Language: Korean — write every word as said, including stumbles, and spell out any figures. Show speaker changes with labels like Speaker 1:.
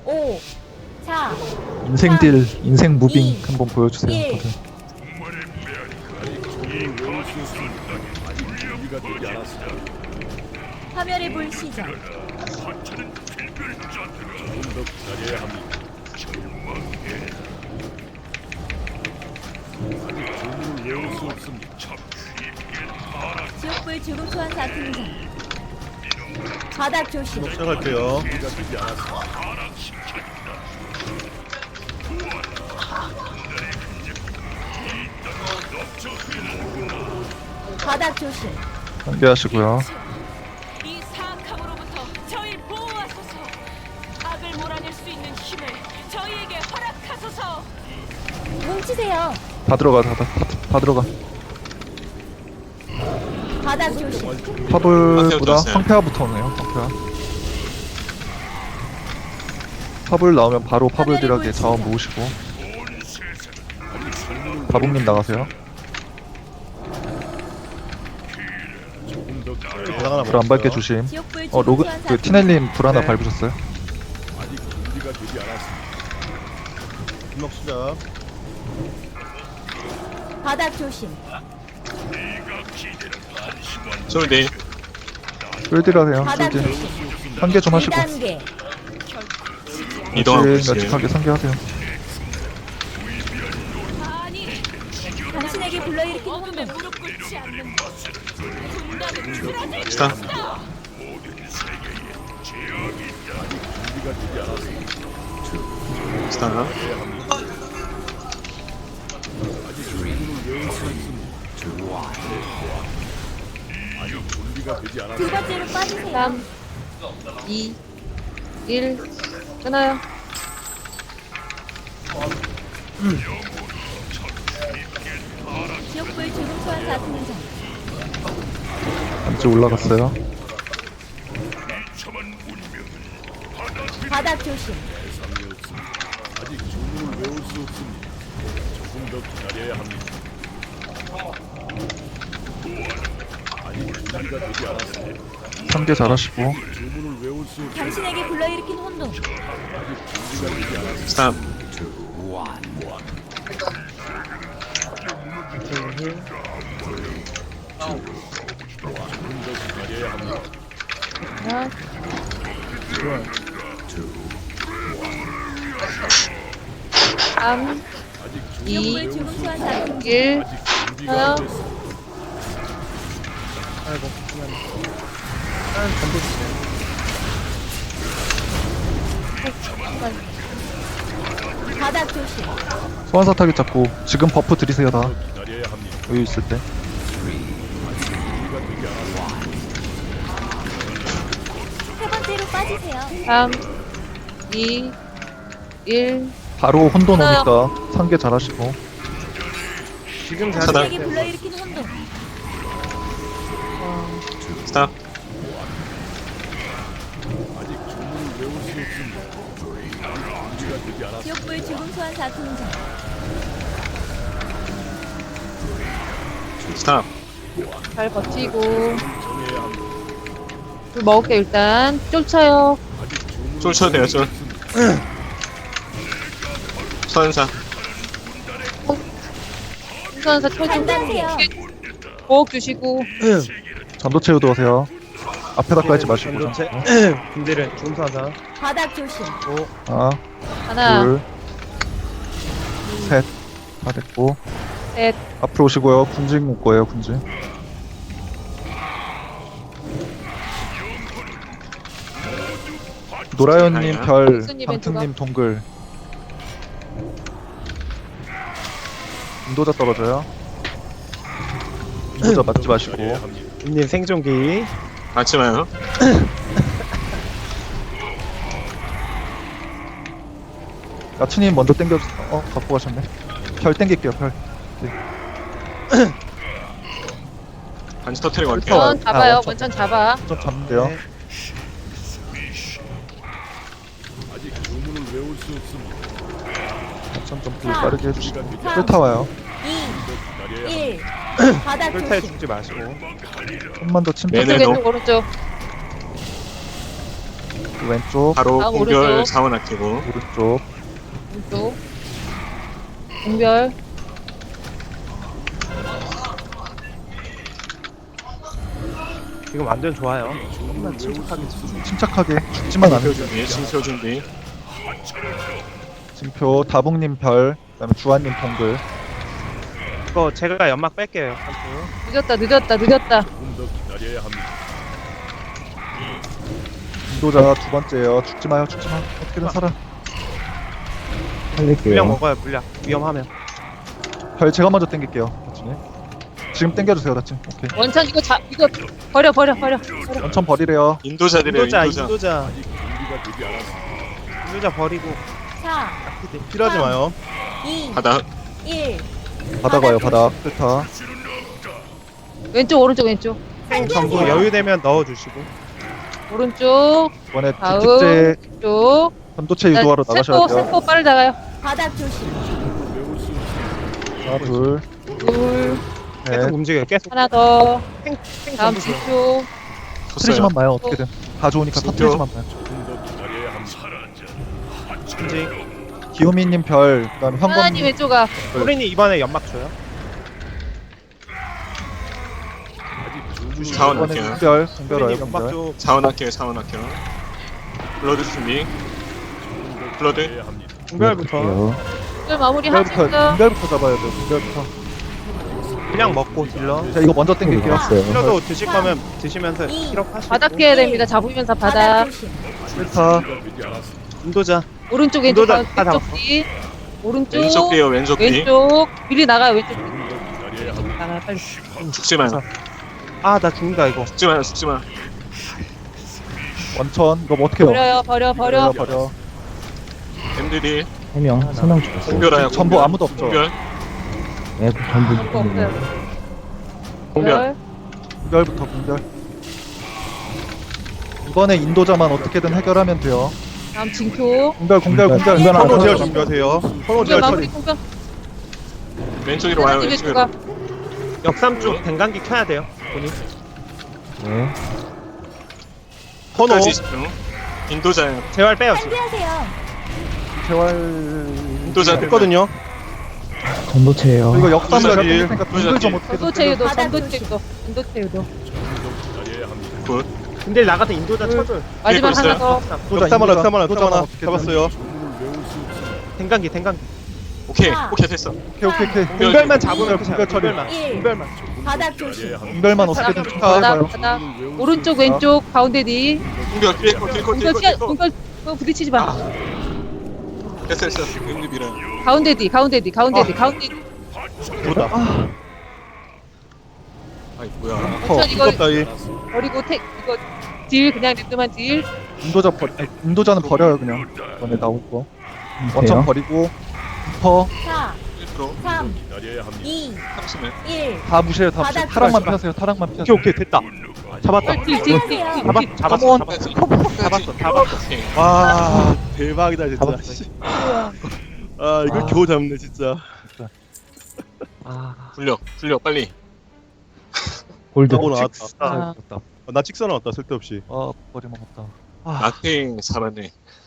Speaker 1: 오, 사,
Speaker 2: 인생 딜, 인생 무빙
Speaker 1: 이,
Speaker 2: 한번 보여주세요.
Speaker 1: 일.
Speaker 2: 다들.
Speaker 1: 화면의 불 시작. 지옥불 죽음 소환사 등장. 바닥 조심.
Speaker 3: 시작할게요.
Speaker 1: 바닥 조심.
Speaker 2: 상대하시고요.
Speaker 4: 이 사악함으로부터 저희 보호하소서. 악을 몰아낼 수 있는 힘을 저희에게 허락하소서.
Speaker 1: 뭉치세요.
Speaker 2: 다 들어가, 다, 다, 다, 다 들어가.
Speaker 1: 바닥 조심.
Speaker 2: 파블보다 황폐화부터 오네요. 황폐화. 파블 나오면 바로 파블 딜하게 자원 모으시고. 바봉님 나가세요.
Speaker 3: 불 하나
Speaker 2: 불 안 밟게 조심.
Speaker 1: 지옥불
Speaker 2: 어
Speaker 1: 죽음
Speaker 2: 로그
Speaker 1: 소환사
Speaker 2: 그
Speaker 1: 등장.
Speaker 2: 티넬님 불 하나
Speaker 3: 네.
Speaker 2: 밟으셨어요?
Speaker 3: 분목 시작.
Speaker 1: 바닥 조심.
Speaker 5: 솔디
Speaker 2: 쫄딜 하세요.
Speaker 1: 바닥
Speaker 2: 쫄딜.
Speaker 1: 조심.
Speaker 2: 상계 좀 하시고.
Speaker 1: 이 단계.
Speaker 5: 이동하고
Speaker 2: 그렇지,
Speaker 5: 있어요.
Speaker 2: 멸치하게 상계하세요.
Speaker 4: 아니,
Speaker 1: 당신에게 불러일으킨
Speaker 4: 어둠에
Speaker 1: 혼돈.
Speaker 4: 무릎 꿇지 않는 것. 군단을 틀어질
Speaker 5: 스타 스타
Speaker 1: 두 번째로 빠지세요.
Speaker 6: 삼, 이, 일, 끊어요.
Speaker 1: 지옥불 죽음 소환사 등장.
Speaker 2: 안쪽 올라갔어요.
Speaker 1: 바닥 조심.
Speaker 2: 상계 잘하시고.
Speaker 1: 당신에게 불러일으킨 혼돈.
Speaker 5: 스타
Speaker 6: 하나, 삼, 이,
Speaker 1: 지옥불 죽음 소환사 등장.
Speaker 6: 일, 끊어요.
Speaker 3: 아이고. 아, 전부 주세요.
Speaker 1: 바닥 조심.
Speaker 2: 소환사 타깃 잡고 지금 버프 드리세요 다. 여유 있을 때.
Speaker 1: 세 번째로 빠지세요.
Speaker 6: 삼, 이, 일,
Speaker 2: 바로 혼돈 오니까 상계 잘하시고.
Speaker 3: 지금
Speaker 5: 차단.
Speaker 1: 당신에게 불러일으킨 혼돈.
Speaker 5: 스타
Speaker 1: 지옥불 죽음 소환사 등장.
Speaker 5: 스타
Speaker 6: 잘 버티고. 물 먹을게, 일단. 쫓아요.
Speaker 5: 쫄 쳐도 돼요 쫄 소환사
Speaker 6: 풍선사 쳐주고.
Speaker 1: 간단해요.
Speaker 6: 보호 주시고.
Speaker 2: 전도 채우도 하세요. 앞에다 깔지 마시고.
Speaker 3: 전도체. 군대는 중사사.
Speaker 1: 바닥 조심.
Speaker 2: 하나,
Speaker 6: 하나,
Speaker 2: 둘, 셋. 다 됐고.
Speaker 6: 셋.
Speaker 2: 앞으로 오시고요. 군진 올 거예요, 군진. 노라연님
Speaker 5: 아니야.
Speaker 2: 별,
Speaker 6: 박수님
Speaker 2: 방특님 동글. 인도자 떨어져요. 인도자 맞지 마시고.
Speaker 3: 님 생존기.
Speaker 5: 맞지 마요
Speaker 2: 야츠님 먼저 땡겨. 어, 갖고 가셨네. 별 땡길게요, 별.
Speaker 5: 반지 터트리고 갈게요
Speaker 6: 원천 잡아요.
Speaker 2: 아, 원천.
Speaker 6: 원천 잡아.
Speaker 2: 좀 잡는데요.
Speaker 3: 네.
Speaker 2: 천좀 빠르게 해주시고. 끌타 와요.
Speaker 1: 이, 일. 바닥
Speaker 3: 꿀타에
Speaker 1: 조심.
Speaker 3: 죽지 마시고.
Speaker 2: 좀만 더 침착.
Speaker 5: 네네.
Speaker 6: 왼쪽, 왼쪽, 오른쪽.
Speaker 2: 왼쪽,
Speaker 5: 바로
Speaker 6: 아,
Speaker 5: 공별
Speaker 6: 오른쪽.
Speaker 5: 자원 아끼고.
Speaker 2: 오른쪽.
Speaker 6: 왼쪽. 공별.
Speaker 3: 지금 완전 좋아요. 조금만 침착하게 치
Speaker 2: 침착하게 죽지만
Speaker 5: 징표
Speaker 2: 않으세요.
Speaker 5: 준비, 징표 준비.
Speaker 2: 징표, 다봉님 별, 그다음에 주한님 동글.
Speaker 3: 이거 제가 연막 뺄게요. 한쪽.
Speaker 6: 늦었다, 늦었다, 늦었다.
Speaker 2: 인도자 두 번째예요. 죽지 마요, 죽지 마. 어떻게든 살아.
Speaker 3: 물량 먹어요. 물량. 위험하면.
Speaker 2: 별 제가 먼저 땡길게요. 다치님. 지금 땡겨주세요, 다치. 오케이.
Speaker 6: 원천 이거 자, 이거 버려, 버려, 버려. 버려.
Speaker 2: 원천 버리래요.
Speaker 5: 인도자들이에요,
Speaker 3: 인도자,
Speaker 5: 인도자.
Speaker 3: 인도자. 인도자 버리고.
Speaker 1: 사,
Speaker 3: 필요하지 마요.
Speaker 1: 이,
Speaker 5: 바닥.
Speaker 1: 일.
Speaker 2: 바닥 와요, 바닥. 필타.
Speaker 6: 왼쪽, 오른쪽, 왼쪽.
Speaker 3: 전부 여유되면 넣어주시고.
Speaker 6: 오른쪽,
Speaker 2: 이번에
Speaker 6: 다음.
Speaker 2: 특제
Speaker 6: 쪽.
Speaker 2: 전도체 유도하러 나가셔야
Speaker 6: 세포,
Speaker 2: 돼요.
Speaker 6: 세포 빠르게 나가요.
Speaker 1: 바닥 조심.
Speaker 2: 하나, 둘,
Speaker 6: 둘,
Speaker 2: 넷.
Speaker 3: 계속 움직여요. 계속.
Speaker 6: 하나 더.
Speaker 3: 탱, 탱
Speaker 6: 다음
Speaker 3: 전부 줘요.
Speaker 6: 지표.
Speaker 2: 터트리지만 마요, 어떻게든. 다 좋으니까
Speaker 5: 진짜?
Speaker 2: 터트리지만 마요.
Speaker 3: 인지.
Speaker 2: 기요미님 별, 그다음에
Speaker 6: 하나님
Speaker 2: 현검님.
Speaker 6: 왼쪽 앞.
Speaker 3: 소린이 이번에 연막 줘요.
Speaker 5: 자원
Speaker 2: 이번에
Speaker 5: 아껴요.
Speaker 2: 공별, 공별 와요,
Speaker 3: 소린이 연막
Speaker 2: 공별.
Speaker 3: 줘.
Speaker 5: 자원 아껴요, 자원 아껴요. 블러드 준비. 블러드.
Speaker 3: 공별부터.
Speaker 6: 오늘 마무리 하고
Speaker 2: 공별부터,
Speaker 6: 있어.
Speaker 2: 공별부터 잡아야 돼요, 공별부터.
Speaker 3: 물량 먹고 딜러.
Speaker 2: 자, 이거 먼저 땡길게요.
Speaker 3: 힐러도 드실 거면 드시면서 힐업 하시고.
Speaker 6: 바닥 피해야 됩니다. 잡으면서
Speaker 1: 바닥
Speaker 6: 바닥.
Speaker 1: 조심.
Speaker 2: 필타.
Speaker 3: 인도자.
Speaker 6: 오른쪽, 왼쪽,
Speaker 3: 인도자 다
Speaker 6: 왼쪽
Speaker 3: 잡았어.
Speaker 6: 뒤. 오른쪽,
Speaker 5: 왼쪽 뒤에요, 왼쪽 뒤.
Speaker 6: 왼쪽. 미리 나가요, 왼쪽. 나가요, 빨리.
Speaker 5: 죽지 마요.
Speaker 3: 아, 나 죽는다 이거.
Speaker 5: 죽지 마요, 죽지 마.
Speaker 2: 원천, 이거 뭐 어떻게 해요?
Speaker 6: 버려요, 버려, 버려.
Speaker 2: 버려.
Speaker 5: 엠들이
Speaker 7: 해명 설명 주셨어요.
Speaker 5: 공별하여.
Speaker 2: 전부 아무도 없죠?
Speaker 5: 공별.
Speaker 7: 네, 그 전부
Speaker 6: 아무도 없어요.
Speaker 5: 공별.
Speaker 2: 공별부터 공별. 이번에 인도자만 어떻게든 해결하면 돼요.
Speaker 6: 다음 징표.
Speaker 2: 공별, 공별, 공별.
Speaker 7: 공별
Speaker 2: 선호 제어
Speaker 7: 하나.
Speaker 2: 준비하세요. 선호
Speaker 6: 공별
Speaker 2: 제어
Speaker 6: 마무리
Speaker 2: 처리.
Speaker 6: 공별.
Speaker 5: 왼쪽으로 와요,
Speaker 6: 하나님 왼쪽
Speaker 5: 왼쪽으로.
Speaker 6: 앞.
Speaker 3: 역삼 쪽 댕강기 켜야 돼요. 본인.
Speaker 7: 네.
Speaker 3: 선호.
Speaker 5: 끝까지 집중. 인도자예요.
Speaker 3: 재활 빼요 지금.
Speaker 1: 준비하세요.
Speaker 2: 재활.
Speaker 5: 인도자들.
Speaker 3: 했거든요.
Speaker 7: 전도체예요.
Speaker 2: 이거 역삼
Speaker 5: 인도자
Speaker 2: 제가
Speaker 5: 딜.
Speaker 2: 땡기니까 공별 좀 어떻게든.
Speaker 6: 전도체 유도,
Speaker 1: 바닥
Speaker 6: 전도체 유도. 전도체 유도.
Speaker 5: 굿.
Speaker 3: 근데 나가서 인도자 쳐줘요.
Speaker 6: 마지막
Speaker 5: 있어요?
Speaker 6: 하나 더.
Speaker 2: 인도자,
Speaker 8: 역삼 하나,
Speaker 2: 인도자,
Speaker 8: 역삼 하나,
Speaker 2: 인도자만
Speaker 8: 역삼 하나
Speaker 2: 어떻게든.
Speaker 8: 잡았어요.
Speaker 3: 댕강기 댕강기.
Speaker 5: 오케이,
Speaker 1: 자.
Speaker 5: 오케이, 됐어.
Speaker 2: 오케이, 오케이, 오케이.
Speaker 5: 공별.
Speaker 3: 공별만 잡으면
Speaker 2: 공별,
Speaker 3: 끝이야.
Speaker 2: 공별 처리.
Speaker 3: 공별만.
Speaker 1: 일.
Speaker 3: 공별만.
Speaker 1: 바닥 조심.
Speaker 2: 공별만 어떻게든 좀
Speaker 6: 바닥,
Speaker 2: 해봐요.
Speaker 6: 바닥. 오른쪽, 왼쪽, 가운데 뒤.
Speaker 5: 공별, 킬코, 킬코,
Speaker 6: 공별
Speaker 5: 킬코,
Speaker 6: 피하,
Speaker 5: 킬코.
Speaker 6: 공별 그거 부딪히지 마.
Speaker 5: 됐어, 됐어. 엠들 밀어요.
Speaker 6: 가운데 뒤, 가운데 뒤, 가운데 뒤, 가운데 뒤.
Speaker 5: 아이, 뭐야.
Speaker 2: 커.
Speaker 6: 원천 이거
Speaker 8: 무섭다 이.
Speaker 6: 버리고 택 이거 딜 그냥 랜드만 딜.
Speaker 2: 인도자 버, 아니, 인도자는 버려요 그냥. 이번에 나올 거.
Speaker 7: 돼요?
Speaker 2: 원천 버리고. 퍼.
Speaker 1: 사,
Speaker 5: 일 프로.
Speaker 1: 삼, 이,
Speaker 5: 삼십일.
Speaker 1: 일.
Speaker 2: 다 무시해요, 다 무시해.
Speaker 1: 바닥
Speaker 2: 타락만
Speaker 3: 조심.
Speaker 2: 피하세요, 타락만 피하세요.
Speaker 3: 오케이 오케이 됐다. 잡았다.
Speaker 6: 딜, 딜, 딜, 딜, 딜.
Speaker 3: 잡았 잡았어 잡았어.
Speaker 5: 끝까지.
Speaker 3: 잡았어 잡았어.
Speaker 5: 오케이.
Speaker 8: 와 대박이다 진짜.
Speaker 7: 잡았어.
Speaker 8: 씨. 아 이걸
Speaker 2: 아.
Speaker 8: 겨우 잡네 진짜.
Speaker 3: 아.
Speaker 5: 굴려, 굴려, 빨리.
Speaker 7: 골드.
Speaker 8: 하고 나왔다.
Speaker 6: 아.
Speaker 8: 나 찍사 나왔다 쓸데없이.
Speaker 2: 아, 버리 먹었다.
Speaker 5: 낙행 살았네.